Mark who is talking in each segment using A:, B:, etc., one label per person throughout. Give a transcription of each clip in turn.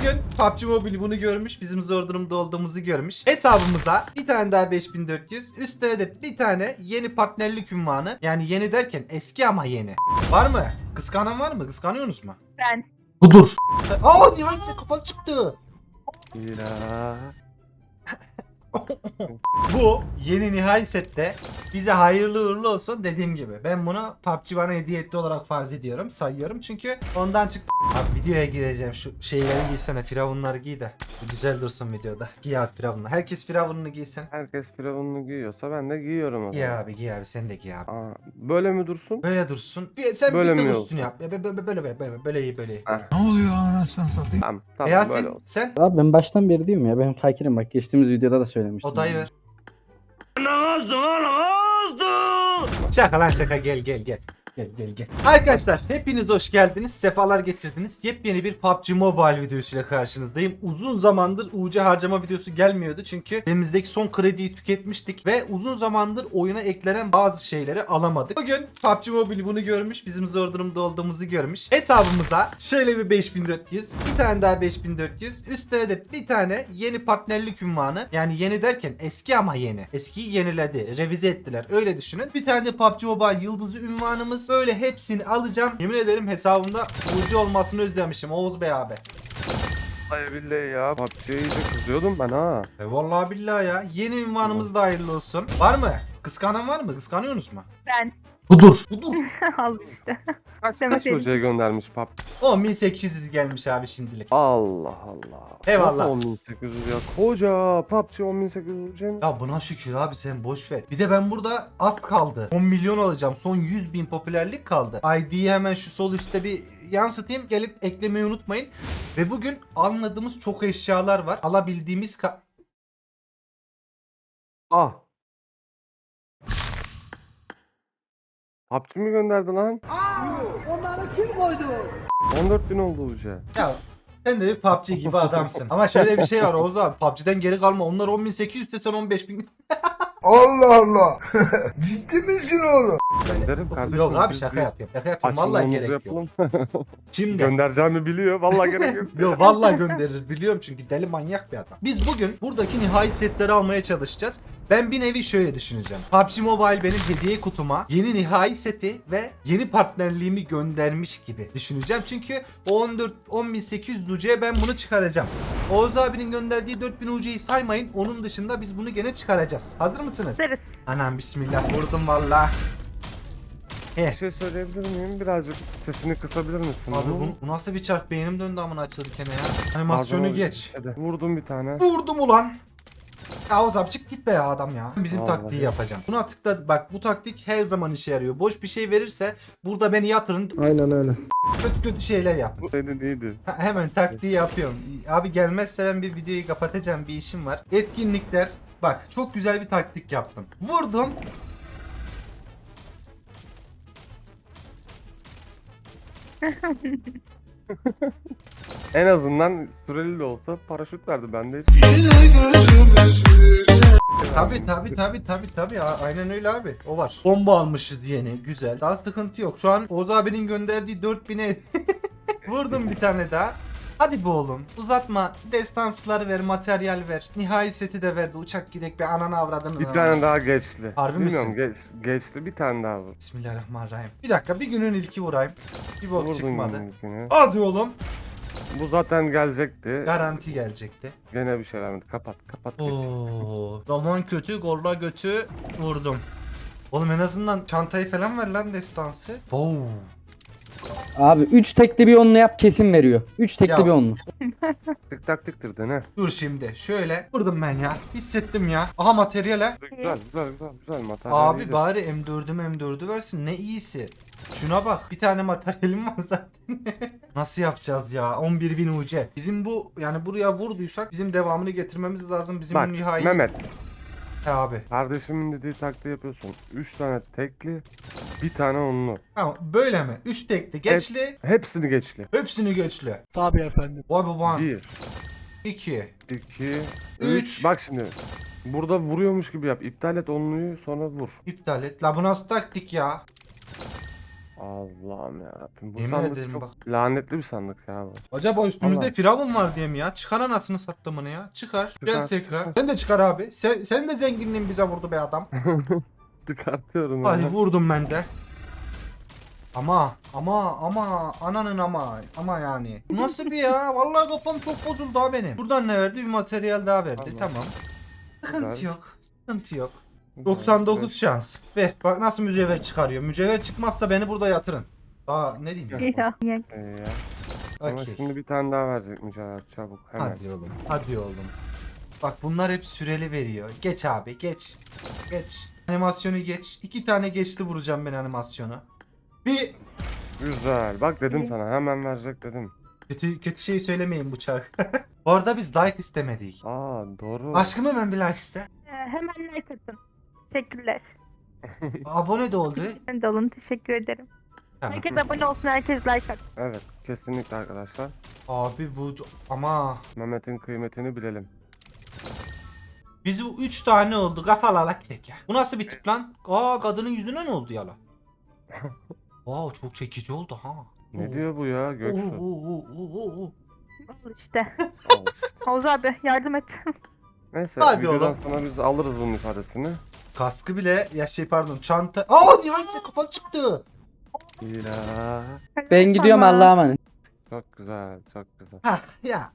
A: Bugün PUBG Mobile bunu görmüş, bizim zor durumda olduğumuzu görmüş. Hesabımıza bir tane daha 5400, üstüne de bir tane yeni partnerlik ünvanı. Yani yeni derken eski ama yeni. Var mı? Kıskanan var mı? Kıskanıyorsunuz mu?
B: Ben.
A: Budur. Aa, nihayet kapalı çıktı.
C: Ya.
A: Bu yeni nihai sette bize hayırlı uğurlu olsun dediğim gibi. Ben bunu PUBG bana hediye etti olarak farz ediyorum, sayıyorum çünkü ondan çıktı. Abi videoya gireceğim, şu şeyleri giysene, firavunları giy de güzel dursun videoda. Giy abi firavunları. Herkes firavununu giysin.
C: Herkes firavununu giyiyorsa ben de giyiyorum o
A: Giy
C: zaman.
A: abi, giy abi, sen de giy abi.
C: Aa, böyle mi dursun?
A: Böyle dursun. Sen
C: Böyle
A: bir de
C: mi
A: üstünü
C: olsun?
A: yap. Böyle iyi, böyle iyi.
C: Heh.
D: Ne oluyor anasını satayım?
C: Tamam böyle
A: Yasin
C: olsun.
A: sen
E: Abi ben baştan beri diyorum ya, ben fakirim, bak geçtiğimiz videoda da söylemiştim.
A: odayı ver. Şaka lan şaka, gel. Gel. Arkadaşlar hepiniz hoş geldiniz. Sefalar getirdiniz. Yepyeni bir PUBG Mobile videosuyla karşınızdayım. Uzun zamandır UC harcama videosu gelmiyordu. Çünkü elimizdeki son krediyi tüketmiştik. Ve uzun zamandır oyuna eklenen bazı şeyleri alamadık. Bugün PUBG Mobile bunu görmüş. Bizim zor durumda olduğumuzu görmüş. Hesabımıza şöyle bir 5400. Bir tane daha 5400. Üstüne de bir tane yeni partnerlik ünvanı. Yani yeni derken eski ama yeni. Eskiyi yeniledi. Revize ettiler. Öyle düşünün. Bir tane de PUBG Mobile yıldızı ünvanımız. Böyle hepsini alacağım. Yemin ederim hesabımda UC olmasını özlemişim Oğuz Bey abi.
C: Ay billahi ya. PUBG'ye iyice kızıyordum ben ha.
A: Vallahi billahi ya. Yeni ünvanımız da hayırlı olsun. Var mı? Kıskanan var mı? Kıskanıyorsunuz mu?
B: Ben.
A: Budur.
B: Al işte.
C: Kaç
B: Demeseydin.
C: hocaya göndermiş PUBG?
A: 10.800 gelmiş abi şimdilik.
C: Allah Allah.
A: Eyvallah.
C: Nasıl 10.800 ya? Koca PUBG 10.800 hocam.
A: Ya buna şükür abi, sen boş ver. Bir de ben burada az kaldı. 10 milyon alacağım. Son 100.000 popülerlik kaldı. ID'yi hemen şu sol üstte bir yansıtayım. Gelip eklemeyi unutmayın. Ve bugün anladığımız çok eşyalar var. Alabildiğimiz
C: Ah. PUBG mi gönderdi lan? Onları kim koydu? 14.000 oldu hoca.
A: Ya sen de bir PUBG gibi adamsın. Ama şöyle bir şey var Oğuz abi. PUBG'den geri kalma. Onlar 10.800 de sen 15.000.
F: Allah Allah. Ciddi misin oğlum?
C: Gönderim kardeşim.
A: Yok abi
C: biz
A: şaka
C: bir
A: yapıyorum. Şaka yapıyorum. Vallahi
C: açılmamızı
A: gerek yok.
C: yapalım.
A: Şimdi.
C: Göndereceğimi biliyor. Vallahi gerek yok.
A: Yo vallahi gönderir, biliyorum çünkü deli manyak bir adam. Biz bugün buradaki nihai setleri almaya çalışacağız. Ben bir nevi şöyle düşüneceğim. PUBG Mobile benim hediye kutuma yeni nihai seti ve yeni partnerliğimi göndermiş gibi düşüneceğim. Çünkü o 10.800 UC'ye ben bunu çıkaracağım. Oğuz abinin gönderdiği 4.000 UC'yi saymayın. Onun dışında biz bunu gene çıkaracağız. Hazır mısınız?
B: Deriz.
A: Anam bismillah, vurdum valla.
C: Bir şey söyleyebilir miyim? Birazcık sesini kısabilir misin?
A: Abi bu nasıl bir çark, beynim döndü amına açılırken ya. Animasyonu
C: Pardon,
A: geç.
C: lisede. Vurdum bir tane.
A: Vurdum ulan. Ya Oğuz abi çık git be ya adam ya. Bizim
C: Vallahi.
A: taktiği yapacağım. Buna tıkla bak, bu taktik her zaman işe yarıyor. Boş bir şey verirse burada beni yatırın,
F: Aynen öyle.
A: kötü şeyler yapın.
C: Bu dedi değildi.
A: Hemen taktiği yapıyorum. Abi gelmezse ben bir videoyu kapatacağım, bir işim var. Etkinlikler. Bak çok güzel bir taktik yaptım. Vurdum.
C: En azından süreli de olsa paraşüt verdi. Bende hiç.
A: Tabi. Aynen öyle abi. O var. Bomba almışız yeni. Güzel. Daha sıkıntı yok. Şu an Oğuz abinin gönderdiği 4000'e vurdum bir tane daha. Hadi be oğlum. Uzatma. Destansları ver, materyal ver. Nihai seti de verdi. Uçak gidek bir ananı avradını.
C: Bir tane daha geçti.
A: Harbi
C: Bilmiyorum,
A: misin?
C: geçti bir tane daha vur.
A: Bismillahirrahmanirrahim. Bir dakika, bir günün ilki vurayım. Bir bok
C: Vurdun
A: çıkmadı.
C: ilkini.
A: Hadi oğlum.
C: Bu zaten gelecekti.
A: Garanti gelecekti.
C: Gene bir şey vermedi. Kapat.
A: Oo, zaman kötü, golla götü vurdum. Oğlum en azından çantayı falan ver lan, destansı. Oo.
E: Abi 3 tekli bir onlu yap, kesin veriyor. 3 tekli
A: Ya.
E: bir onlu.
C: Tık tak tıktır dene.
A: Dur şimdi şöyle vurdum ben ya. Hissettim ya. Aha materyale.
C: Güzel materyal.
A: Abi bari M4'ü versin, ne iyisi. Şuna bak, bir tane materyalim var zaten. Nasıl yapacağız ya? 11.000 UC. Bizim bu, yani buraya vurduysak bizim devamını getirmemiz lazım. Bizim
C: Bak
A: bu nihai.
C: Mehmet.
A: He abi.
C: Kardeşimin dediği taktiği yapıyorsun. 3 tane tekli, bir tane onlu.
A: Tamam böyle mi? 3 tekli geçli.
C: Hepsini geçli.
A: Hepsini geçli.
D: Tabii efendim.
A: Vay baban.
C: 1,
A: 2.
C: 2,
A: Üç.
C: 3. Bak şimdi. Burada vuruyormuş gibi yap. İptal et onluyu sonra vur.
A: İptal et. La bu nasıl taktik ya?
C: Allah'ım yarabbim. Bu
A: Yemin
C: sandık
A: ederim
C: çok
A: bak.
C: lanetli bir sandık ya bu.
A: Acaba üstümüzde
C: Vallahi.
A: firavun var diye mi ya? Çıkar anasını sattımını ya. Çıkar. Gel
C: Çıkar,
A: tekrar.
C: çıkar.
A: Sen de çıkar abi. Senin de zenginliğin bize vurdu be adam.
C: Çıkartıyorum
A: Hadi
C: ya.
A: vurdum ben de. Ama ananın ama yani. Bu nasıl bir ya? Vallahi kafam çok bozuldu ha benim. Buradan ne verdi? Bir materyal daha verdi.
C: Tamam.
A: Tamam. Sıkıntı
C: Güzel.
A: yok. Sıkıntı yok.
C: Güzel,
A: 99
C: güzel.
A: şans. Ve bak nasıl mücevher çıkarıyor. Mücevher çıkmazsa beni burada yatırın. Daha ne diyeyim?
C: Ya.
B: Ya.
C: Ya. Ama
A: Okey.
C: şimdi bir tane daha verecek mücadele çabuk hemen.
A: Hadi oğlum. Hadi oğlum. Bak bunlar hep süreli veriyor. Geç abi geç. Geç. Animasyonu geç. 2 tane geçti vuracağım ben animasyonu. Bir
C: Güzel. Bak dedim sana hemen verecek dedim.
A: kötü şey söylemeyin bu çark. Bu arada biz like istemedik.
C: Aa doğru.
A: Aşkım hemen bir like iste.
B: Hemen like atın. Teşekkürler.
A: Abone de oldu.
B: Ben de olun. Teşekkür ederim.
A: Tamam.
B: Herkes abone olsun. Herkes like atsın.
C: Evet kesinlikle arkadaşlar.
A: Abi bu ama
C: Mehmet'in kıymetini bilelim.
A: biz bu 3 tane oldu. Kafalalak gidek ya. Bu nasıl bir tip lan? Aa kadının yüzüne ne oldu yala? Wow çok çekici oldu ha.
C: Ne diyor bu ya Göksu?
A: Oo.
B: Al işte.
C: Al işte.
B: Oğuz abi yardım et.
C: Neyse
A: Hadi
C: videodan
A: oğlum.
C: sonra biz alırız bunun ifadesini.
A: Kaskı bile ya şey pardon çanta. Aa nihayet kapalı çıktı.
C: Ya.
E: Ben gidiyorum Allah'a emanet.
C: Çok güzel çok güzel.
A: Ha ya.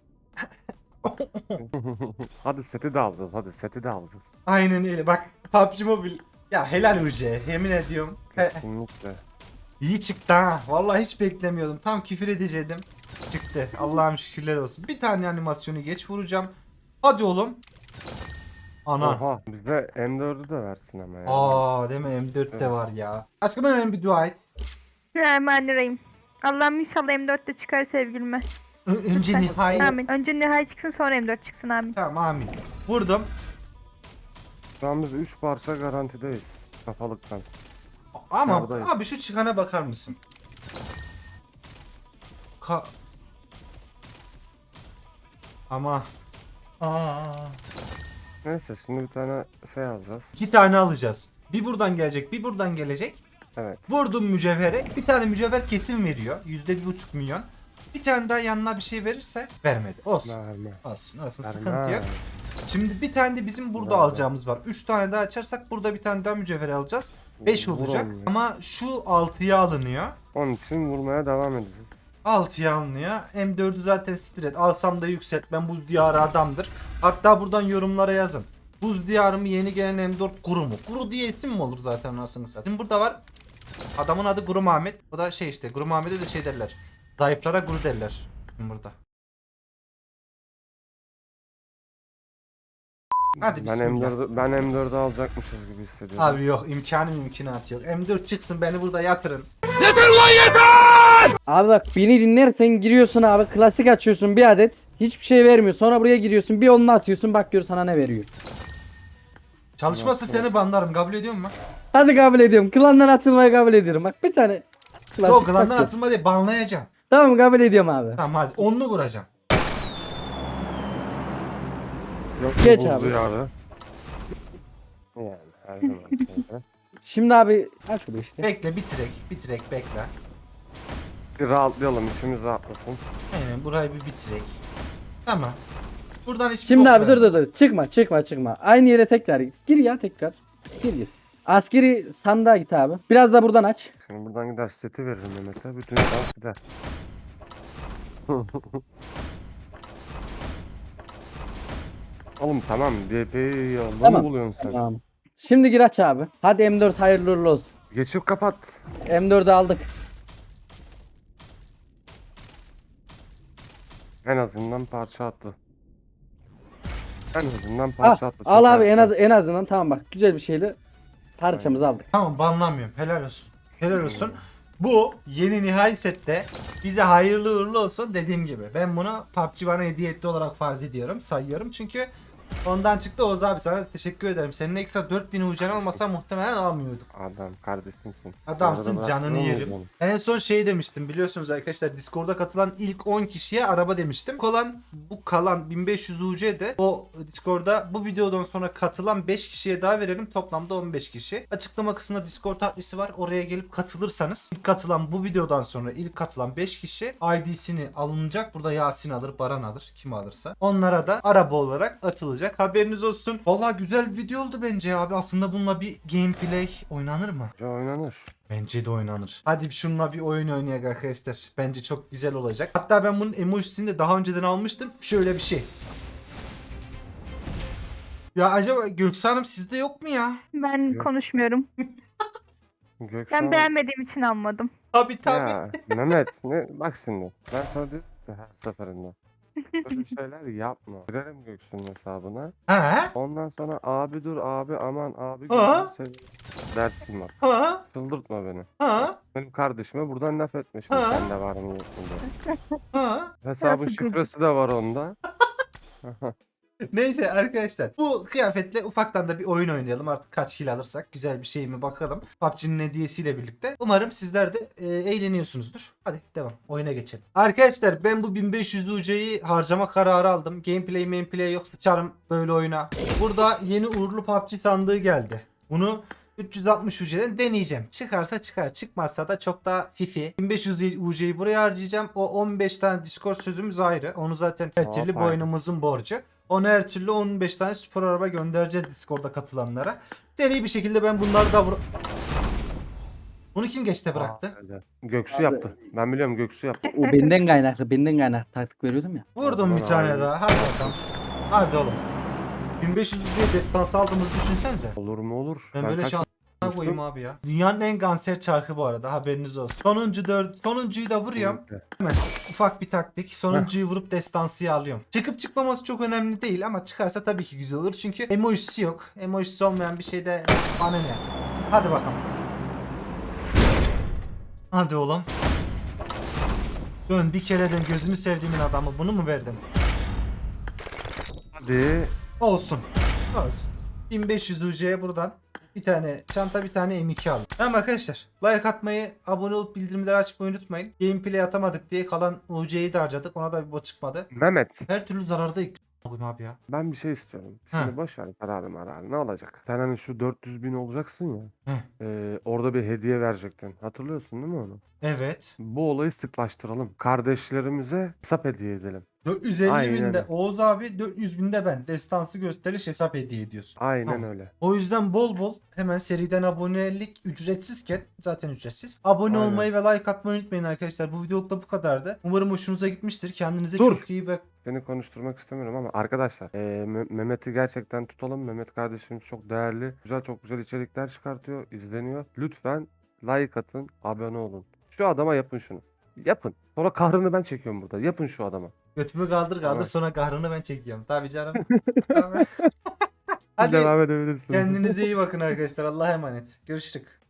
C: Hadi seti de alacağız hadi seti de alacağız.
A: Aynen öyle bak PUBG Mobile. Ya helal UC yemin ediyorum.
C: Kesinlikle.
A: İyi çıktı ha. Vallahi hiç beklemiyordum. Tam küfür edecektim. Çıktı. Allah'ım şükürler olsun. Bir tane animasyonu geç vuracağım. Hadi oğlum. Ana.
C: Oha bize M4'ü de versin ama ya.
A: Aa değil mi M4 de var ya. Aşkım hemen bir dua et.
B: Hemen arayayım. Allah'ım inşallah M4'te çıkar sevgilime.
A: Önce nihayet.
B: Amin. Önce Nihai çıksın sonra M4 çıksın amin.
A: Tamam amin. Vurdum.
C: Şu an biz 3 parça garantideyiz. Kafalıktan.
A: Ama
C: Neredeyiz?
A: abi şu çıkana bakar mısın? Ama
C: Neyse şimdi bir tane şey alacağız.
A: 2 tane alacağız. Bir buradan gelecek, bir buradan gelecek.
C: Evet.
A: Vurdum mücevhere. Bir tane mücevher kesin veriyor. %1,5 milyon. Bir tane daha yanına bir şey verirse vermedi. Olsun.
C: Verme.
A: Olsun.
C: Verme.
A: Sıkıntı yok. Şimdi bir tane de bizim burada
C: Verme.
A: alacağımız var. 3 tane daha açarsak burada bir tane daha mücevher alacağız. 5
C: Vur
A: olacak.
C: onu ya.
A: Ama şu 6'ya alınıyor.
C: Onun için vurmaya devam edeceğiz.
A: 6'ya alınıyor. M4'ü zaten stret. Alsam da yükseltmem. Buz diyarı adamdır. Hatta buradan yorumlara yazın. Buz diyarı mı yeni gelen M4 kuru mu? Kuru diye isim mi olur zaten anasını satayım. Şimdi burada var. Adamın adı Guru Mahmet. O da şey işte. Guru Mahmet'e de şey derler. Zayıflara guru derler. Şimdi burada. Hadi bismillah.
C: Ben M4'ü alacakmışız gibi hissediyorum.
A: Abi yok mümkünatı yok. M4 çıksın beni burada yatırın.
E: Abi bak beni dinlersen giriyorsun abi klasik açıyorsun bir adet. Hiçbir şey vermiyor. Sonra buraya giriyorsun bir onunla atıyorsun bak gör sana ne veriyor.
A: Çalışmazsa seni banlarım. Kabul ediyor musun?
E: Hadi kabul ediyorum. Klandan atılmayı kabul ediyorum. Bak bir tane. Klasik
A: Yok klandan
E: takıyor.
A: atılma diye banlayacağım.
E: Tamam kabul ediyorum abi.
A: Tamam hadi onlu vuracağım.
C: Yok,
E: Geç
C: buzlu
E: abi.
C: yarı. Yani her zaman böyle.
E: Şimdi abi aç şurada işte.
A: Bekle bitirek bekle.
C: Bir rahatlayalım içimiz rahatlasın.
A: Aynen burayı bir bitirek. Tamam. Buradan hiçbir
E: Şimdi
A: bok
E: abi dur
A: vermem.
E: dur çıkma. Aynı yere tekrar git. Gir ya tekrar. Gir. Askeri sandığa git abi. Biraz da buradan aç.
C: Şimdi buradan gider seti veririm Mehmet'e. Bütün şans gider. Oğlum tamam DP'yi yolda
E: Tamam.
C: mı buluyorsun sen?
E: Tamam. Şimdi gir aç abi. Hadi M4 hayırlı uğurlu olsun.
C: Geçip kapat.
E: M4'ü aldık.
C: En azından parça attı. En azından
E: Al,
C: parça attı.
E: al
C: Çok
E: abi
C: harika.
E: en azından tamam bak güzel bir şeyle parçamızı aldık.
A: Tamam banlamıyorum. Helal olsun. Helal olsun. Bu yeni nihai sette bize hayırlı uğurlu olsun dediğim gibi. Ben bunu PUBG bana hediye etti olarak farz ediyorum. Sayıyorum çünkü Ondan çıktı Oğuz abi, sana teşekkür ederim. Senin ekstra 4000 ucan olmasa muhtemelen alamıyorduk.
C: Adam kardeşimsin.
A: Adamsın,
C: Arada
A: canını
C: bırakmıyor
A: yerim.
C: muyuz
A: En son şey demiştim biliyorsunuz arkadaşlar, Discord'a katılan ilk 10 kişiye araba demiştim. Bu kalan 1500 UC de o Discord'a bu videodan sonra katılan 5 kişiye daha verelim, toplamda 15 kişi. Açıklama kısmında Discord adresi var, oraya gelip katılırsanız ilk katılan, bu videodan sonra ilk katılan 5 kişi ID'sini alınacak. Burada Yasin alır, Baran alır, kim alırsa. Onlara da araba olarak atılacak. Haberiniz olsun. Vallahi güzel bir video oldu bence abi. Aslında bununla bir gameplay oynanır mı?
C: ya? Oynanır.
A: Bence de oynanır. Hadi şununla bir oyun oynayalım arkadaşlar. Bence çok güzel olacak. Hatta ben bunun emojisini de daha önceden almıştım. Şöyle bir şey. Ya acaba Göksu Hanım sizde yok mu ya?
B: Ben
C: Yok.
B: konuşmuyorum.
C: Gökhan.
B: Ben beğenmediğim için almadım.
A: Tabii tabii.
C: Ya Mehmet ne bak şimdi ben sana diyorum ki her seferinde böyle şeyler yapma. Girerim Göksu'nun hesabına.
A: Ha?
C: Ondan sonra abi dur abi aman abi
A: Ha?
C: gözünü dersin bak.
A: Ha?
C: Çıldırtma beni.
A: Ha?
C: Benim kardeşime buradan laf etmişsin
A: Ha?
C: sen de var niyetinde.
A: Ha?
C: Hesabın
B: Nasıl gıcık?
C: şifresi de var onda.
A: Neyse arkadaşlar, bu kıyafetle ufaktan da bir oyun oynayalım. Artık kaç kill alırsak güzel bir şey mi bakalım. PUBG'nin hediyesiyle birlikte. Umarım sizler de eğleniyorsunuzdur. Hadi devam. Oyuna geçelim. Arkadaşlar ben bu 1500 UC'yi harcama kararı aldım. Gameplay yok, sıçarım böyle oyuna. Burada yeni uğurlu PUBG sandığı geldi. Bunu 360 UC'den deneyeceğim. Çıkarsa çıkar, çıkmazsa da çok daha fifi. 1500 UC'yi buraya harcayacağım. O 15 tane Discord sözümüz ayrı. Onu zaten her türlü
C: Hoppa.
A: boynumuzun borcu. Ona her türlü 15 tane spor araba göndereceğiz Discord'da katılanlara. Seri bir şekilde ben bunları da Bunu kim geçte bıraktı?
C: Aa, öyle. Göksu yaptı. Ben biliyorum Göksu yaptı.
E: O benden kaynaklı. Benden kaynaklı taktik veriyordum ya.
A: Vurdum
C: Aman
A: bir tane
C: abi.
A: daha. Hadi bakalım. Hadi oğlum. 1500 diye destansı aldığımızı düşünsenize.
C: Olur mu olur.
A: Ben böyle
C: kaç
A: şansına
C: yapmıştım?
A: koyayım abi ya. Dünyanın en kanser çarkı bu arada, haberiniz olsun. Sonuncuyu da vuruyorum. Hemen ufak bir taktik. Sonuncuyu vurup destansıyı alıyorum. Çıkıp çıkmaması çok önemli değil ama çıkarsa tabii ki güzel olur. Çünkü emojisi yok. Emojisi olmayan bir şeyde bana ne? Hadi bakalım. Hadi oğlum. Dön bir kere dön, gözünü sevdiğimin adamı. Bunu mu verdin?
C: Hadi.
A: Olsun. Olsun. 1500 UC'ye buradan bir tane çanta, bir tane M2 alın. Tamam arkadaşlar. Like atmayı, abone olup bildirimleri açmayı unutmayın. Gameplay atamadık diye kalan UC'yi de harcadık. Ona da bir bot çıkmadı.
C: Mehmet.
A: Her türlü zarardayız abi ya.
C: Ben bir şey istiyorum. Şimdi
A: Ha.
C: boş ver kararı ne olacak? Sen hani şu 400 bin olacaksın ya.
A: Heh.
C: Orada bir hediye verecektin. Hatırlıyorsun değil mi onu?
A: Evet.
C: Bu olayı sıklaştıralım. Kardeşlerimize hesap hediye edelim.
A: 450
C: Aynen
A: binde
C: öyle.
A: Oğuz abi, 400 binde ben. Destansı gösteriş hesap hediye ediyorsun.
C: Aynen
A: Tamam.
C: öyle.
A: O yüzden bol bol hemen seriden abonelik ücretsizken, zaten ücretsiz. Abone
C: Aynen.
A: olmayı ve like atmayı unutmayın arkadaşlar. Bu videoluk da bu kadardı. Umarım hoşunuza gitmiştir. Kendinize
C: Dur.
A: çok iyi bak.
C: Seni konuşturmak istemiyorum ama arkadaşlar Mehmet'i gerçekten tutalım. Mehmet kardeşimiz çok değerli. Çok güzel içerikler çıkartıyor. İzleniyor. Lütfen like atın. Abone olun. Şu adama yapın şunu. Yapın. Sonra kahrını ben çekiyorum burada. Yapın şu adama.
A: Götümü kaldır
C: Tamam.
A: sonra kahrını ben çekiyorum. Tabii canım. Tabii. Hadi
C: Devam edebilirsiniz.
A: kendinize iyi bakın arkadaşlar. Allah'a emanet. Görüşürük.